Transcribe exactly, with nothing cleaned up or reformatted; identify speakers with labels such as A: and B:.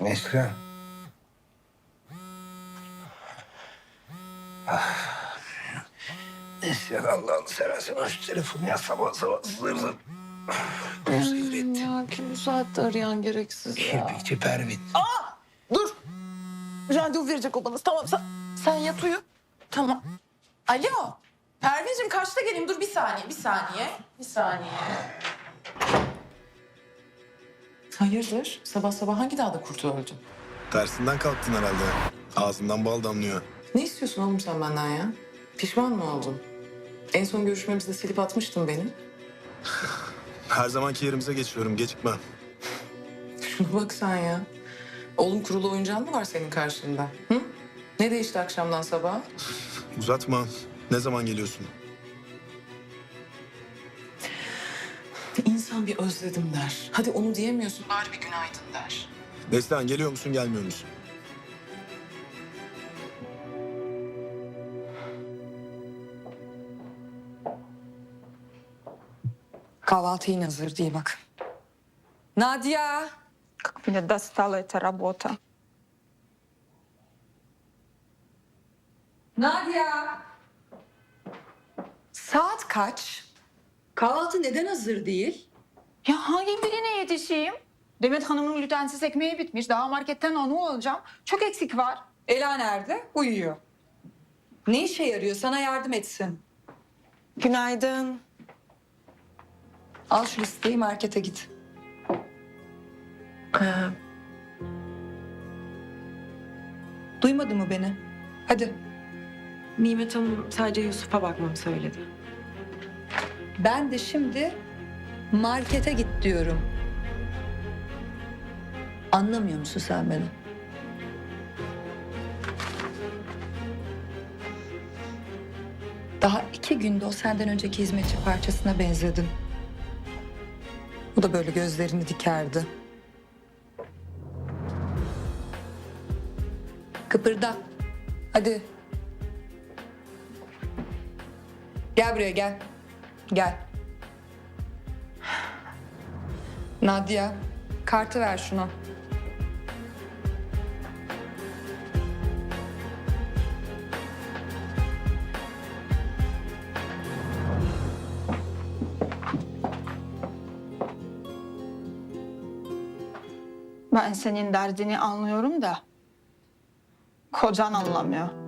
A: Neslihan. Ah. Neslihan Allah'ını seversen aç telefonu ya, sabah sabah zır zır.
B: Hmm, ya kim bu saatte arayan gereksiz ya.
A: Kirpikçi Pervin.
B: Dur. Randevu verecek o bana. Tamam sen, sen yat uyu. Tamam. Alo. Pervin'cim kaçta geleyim? Dur bir saniye, bir saniye. Bir saniye. Hayırdır? Sabah sabah hangi dağda kurt öldü?
C: Tersinden kalktın herhalde. Ağzından bal damlıyor.
B: Ne istiyorsun oğlum sen benden ya? Pişman mı oldun? En son görüşmemizde silip atmıştın beni.
C: Her zamanki yerimize geçiyorum. Gecikme.
B: Şuna bak sen ya. Oğlum kurulu oyuncağın mı var senin karşında? Hı? Ne değişti akşamdan sabaha?
C: Uzatma. Ne zaman geliyorsun?
B: İnsan bir özledim der. Hadi onu diyemiyorsun. Bari bir günaydın der.
C: Neslihan geliyor musun gelmiyor musun?
D: Kahvaltı yine hazır değil bak. Nadia!
E: Как меня достала эта работа.
D: Nadia! Saat kaç? Kahvaltı neden hazır değil?
E: Ya hangi birine yetişeyim? Demet Hanım'ın glutensiz ekmeği bitmiş. Daha marketten onu alacağım. Çok eksik var.
D: Ela nerede? Uyuyor. Ne işe yarıyor? Sana yardım etsin.
B: Günaydın.
D: Al şu listeyi, markete git.
B: Ee,
D: Duymadı mı beni? Hadi.
F: Nimet Hanım sadece Yusuf'a bakmamı söyledi.
D: Ben de şimdi markete git diyorum. Anlamıyor musun sen beni? Daha iki günde o senden önceki hizmetçi parçasına benzedin. O da böyle gözlerini dikerdi. Kıpırda. Hadi. Gel buraya gel. Gel. Nadia, kartı ver şuna.
E: Ben senin derdini anlıyorum da kocan anlamıyor.